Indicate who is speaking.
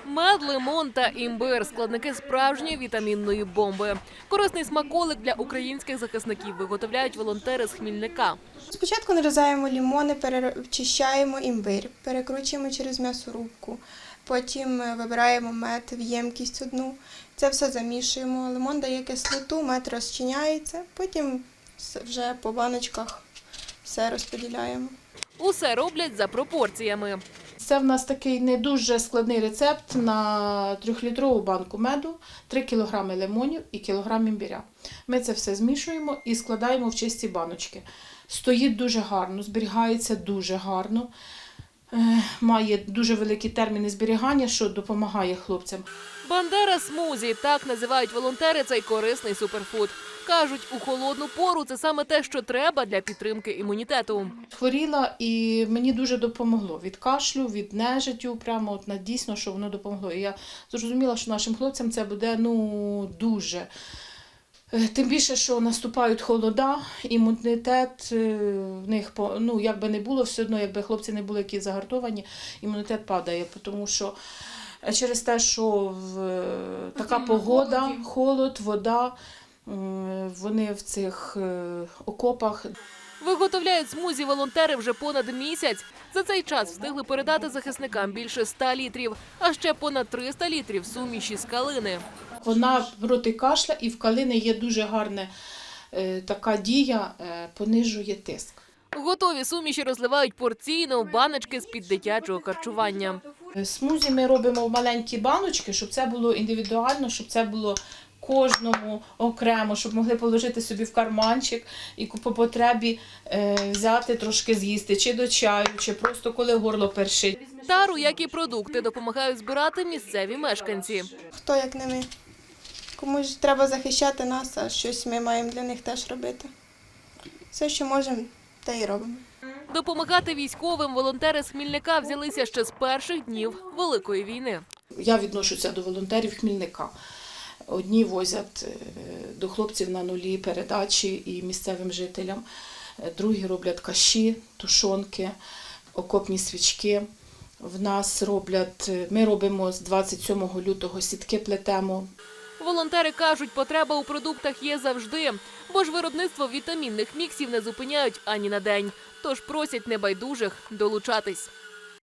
Speaker 1: Мед, лимон та імбир – складники справжньої вітамінної бомби. Корисний смаколик для українських захисників виготовляють волонтери з Хмільника.
Speaker 2: Спочатку нарізаємо лимони, перечищаємо імбир, перекручуємо через м'ясорубку. Потім вибираємо мед в ємкість одну. Це все замішуємо. Лимон дає кислоту, мед розчиняється. Потім вже по баночках все розподіляємо.
Speaker 1: Усе роблять за пропорціями.
Speaker 3: Це в нас такий не дуже складний рецепт на 3-літрову банку меду, 3 кг лимонів і кілограм імбиря. Ми це все змішуємо і складаємо в чисті баночки. Стоїть дуже гарно, зберігається дуже гарно, має дуже великі терміни зберігання, що допомагає хлопцям.
Speaker 1: Бандера смузі – так називають волонтери цей корисний суперфуд. Кажуть, у холодну пору це саме те, що треба для підтримки імунітету.
Speaker 3: Хворіла і мені дуже допомогло. Від кашлю, від нежиттю, прямо дійсно, що воно допомогло. І я зрозуміла, що нашим хлопцям це буде дуже. Тим більше, що наступають холода, імунітет в них, як би не було, все одно, якби хлопці не були які загартовані, імунітет падає, тому що через те, що така погода, холод, вода, вони в цих окопах.
Speaker 1: Виготовляють смузі волонтери вже понад місяць. За цей час встигли передати захисникам більше 100 літрів, а ще понад 300 літрів суміші з калини.
Speaker 3: Вона проти кашля і в калини є дуже гарна така дія, понижує тиск.
Speaker 1: Готові суміші розливають порційно в баночки з-під дитячого харчування.
Speaker 3: Смузі ми робимо в маленькі баночки, щоб це було індивідуально, щоб це було кожному окремо, щоб могли положити собі в карманчик і по потребі взяти трошки з'їсти, чи до чаю, чи просто коли горло першить.
Speaker 1: Тару, як і продукти, допомагають збирати місцеві мешканці.
Speaker 2: Хто як не ми. Комусь треба захищати нас, а щось ми маємо для них теж робити. Все, що можемо, те й робимо.
Speaker 1: Допомагати військовим волонтери з Хмільника взялися ще з перших днів Великої війни.
Speaker 3: Я відношуся до волонтерів Хмільника. Одні возять до хлопців на нулі передачі і місцевим жителям, другі роблять каші, тушонки, окопні свічки. Ми робимо з 27 лютого сітки плетемо.
Speaker 1: Волонтери кажуть, потреба у продуктах є завжди, бо ж виробництво вітамінних міксів не зупиняють ані на день. Тож просять небайдужих долучатись.